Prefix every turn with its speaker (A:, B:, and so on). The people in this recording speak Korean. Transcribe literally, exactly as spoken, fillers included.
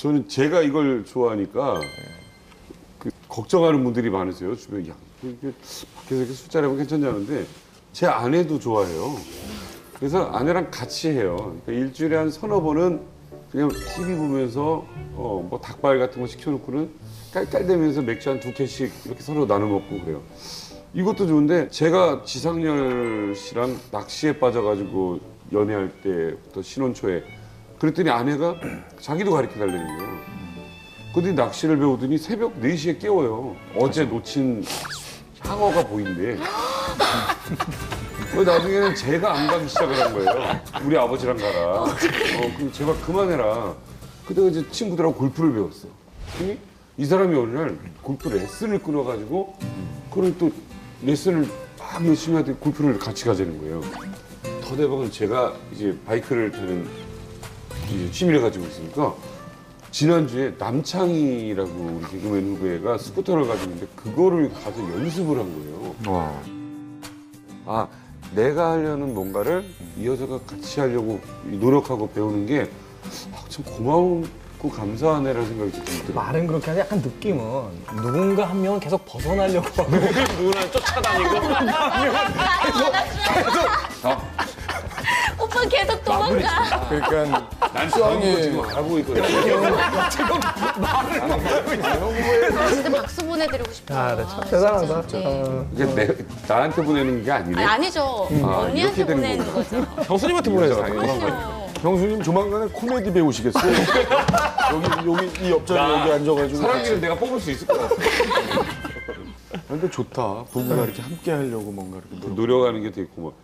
A: 저는 제가 이걸 좋아하니까 그 걱정하는 분들이 많으세요. 주변에 야, 이게 밖에서 이렇게 술자리 하면 괜찮냐는데 제 아내도 좋아해요. 그래서 아내랑 같이 해요. 그러니까 일주일에 한 서너 번은 그냥 티비 보면서 어, 뭐 닭발 같은 거 시켜놓고는 깔깔대면서 맥주 한 두 캔씩 이렇게 서로 나눠 먹고 그래요. 이것도 좋은데 제가 지상렬 씨랑 낚시에 빠져가지고 연애할 때부터 신혼 초에 그랬더니 아내가 자기도 가르쳐 달라는 거예요. 근데 낚시를 배우더니 새벽 네 시에 깨워요. 어제 놓친 향어가 보인대. 나중에는 제가 안 가기 시작을 한 거예요. 우리 아버지랑 가라. 어, 그럼 제발 그만해라. 그때 이제 친구들하고 골프를 배웠어. 근데 이 사람이 어느 날 골프 레슨을 끊어가지고 그걸 또 레슨을 막 열심히 하더니 골프를 같이 가자는 거예요. 더 대박은 제가 이제 바이크를 타는 이제 취미를 가지고 있으니까 지난주에 남창희라고 우리 개그맨 후배가 스쿠터를 가지고 있는데 그거를 가서 연습을 한 거예요.
B: 와.
A: 아, 내가 하려는 뭔가를 이 여자가 같이 하려고 노력하고 배우는 게 참 고마웠고 감사하네라는 생각이 좀 들어요.
C: 말은 그렇게 하는데 약간 느낌은 누군가 한 명은 계속 벗어나려고 하고
B: 누구나 쫓아다니고.
D: 오빠 계속 도망가.
B: 그러니까
A: 난 그런 거 지금 알아보고 있거든요.
D: 진짜 박수 보내드리고 싶어요.
C: 아, 네, 참 대단하다.
D: 네.
A: 이게 내, 나한테 보내는 게 아니네.
D: 아니, 아니죠.
A: 아,
D: 언니한테
A: 이렇게 되는
D: 보내는
A: 거구나.
D: 거죠.
B: 형수님한테 보내자.
D: 그럼요.
B: 형수님 조만간에 코미디 배우시겠어요? 여기 여기 이 옆자리 여기 앉아가지고.
A: 사랑이를 내가 뽑을 수 있을 것 같아.
B: 근데 좋다. 부부가 이렇게 함께 하려고 뭔가 이렇게 노력.
A: 노력하는 게 되게 고마워.